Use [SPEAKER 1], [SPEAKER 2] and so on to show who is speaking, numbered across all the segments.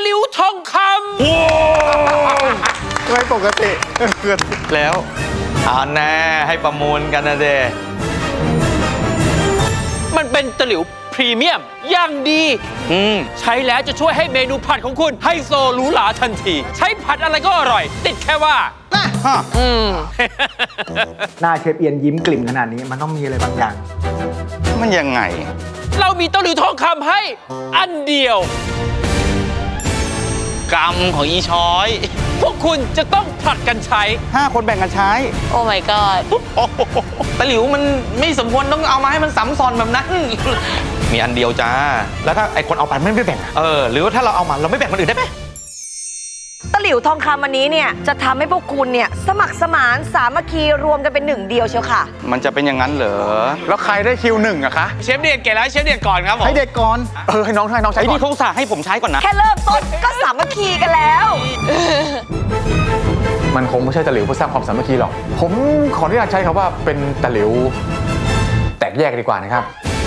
[SPEAKER 1] หลิวทองคำ
[SPEAKER 2] โอ้
[SPEAKER 3] ไม่ปกติ
[SPEAKER 2] แล้วเอาแน่ให้ประมูลกันนะเด
[SPEAKER 1] มันเป็นตะหลิวพรีเมียมอย่างดีใช้แล้วจะช่วยให้เมนูผัดของคุณไฮโซหรูหราทันที ใช้ผัดอะไรก็อร่อย ติดแค่ว่า
[SPEAKER 3] หน้าเชฟเอียนยิ้มกลิ่มขนาดนี้มันต้องมีอะไรบางอย่าง
[SPEAKER 2] มันยังไง
[SPEAKER 1] เรามีตะหลิวทองคำให้อันเดียว
[SPEAKER 2] กรรมของอีช้อย
[SPEAKER 1] พวกคุณจะต้องผลัดกันใช้
[SPEAKER 2] 5 คนแบ่งกันใช้
[SPEAKER 4] โอ้ my god
[SPEAKER 2] ตะหลิวมันไม่สมควรต้องเอามาให้มันซ้ำซ้อนแบบนั้น มีอันเดียวจ้า แล้วถ้าไอคนเอาไปไม่แบ่งหรือว่าถ้าเราเอามาเราไม่แบ่งคนอื่นได้ไหม
[SPEAKER 4] ตะหลิวทองคำอันนี้เนี่ยจะทำให้พวกคุณเนี่ยสมัครสมานสามัคคีรวมกันเป็นหนึ่งเดียวเชียวค่ะ
[SPEAKER 2] มันจะเป็นอย่างนั้นเหรอ
[SPEAKER 3] แล้วใครได้คิว1อะคะ
[SPEAKER 2] เชฟเดียดเก๋แล้วเชฟเดียดก่อนครับผม
[SPEAKER 3] ให้เด็กก่อนให้น้องใช้
[SPEAKER 2] ไอ้
[SPEAKER 3] ก่อ
[SPEAKER 2] นี่
[SPEAKER 3] น
[SPEAKER 2] เขาอุตส่าห์ให้ผมใช้ก่อนนะ
[SPEAKER 4] แค่เริ่มต้นก็สามัคคีกันแล้ว
[SPEAKER 3] มันคงไม่ใช่ตะหลิวเพื่อสร้างความสามัคคีหรอกผมขออนุญาตใช้คำว่าเป็นตะหลิวแตกแยกดีกว่านะครับ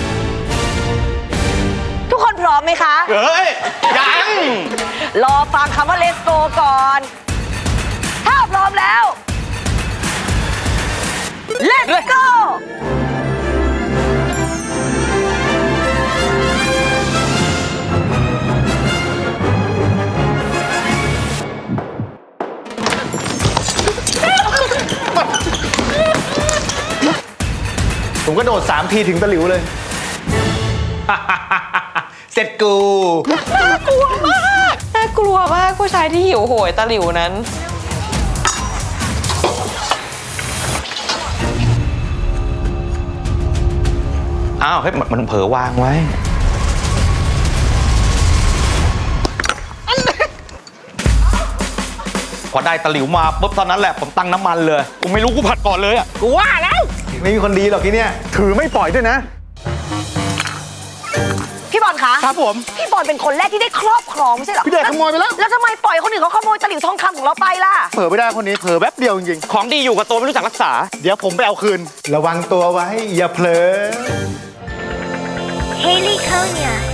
[SPEAKER 4] ทุกคนพร้อมไหมคะ
[SPEAKER 2] เฮ้ย ยัง
[SPEAKER 4] รอฟังคำว่า let's go ก่อน ถ้าพร้อมแล้ว let's go
[SPEAKER 3] ผมก็โดด3 ทีถึงตะหลิวเลย เสร็จกู
[SPEAKER 4] น่ากลัวมากผู้ชายที่หิวโหยตะหลิวนั้น
[SPEAKER 2] อ้าว เฮ้ย มันเผลอวางไว้ พอได้ตะหลิวมาปุ๊บตอนนั้นแหละผมตั้งน้ำมันเลย กูไม่รู้กูผัดก่อนเลยอ่ะ
[SPEAKER 1] กูว่าแล้ว
[SPEAKER 3] ไม่มีคนดีหรอกที่เนี่ยถือไม่ปล่อยด้วยนะ
[SPEAKER 4] พี่บอลคะ
[SPEAKER 3] ครับผม
[SPEAKER 4] พี่บอลเป็นคนแรกที่ได้ครอบครองไม่ใช่เหรอ
[SPEAKER 3] พี่เดชขโมยไปแล้ว
[SPEAKER 4] แล้วทำไมปล่อยคนอื่นเขาขโมยตะหลิวทองคำของเราไปล่ะ
[SPEAKER 3] เผลอไม่ได้คนนี้เผลอแป๊บเดียวจริง
[SPEAKER 2] ของดีอยู่กับตัวไม่รู้จักรักษา
[SPEAKER 3] ๆเดี๋ยวผมไปเอาคืน ระวังตัวไว้อย่าเผลอ
[SPEAKER 5] Haley Konya.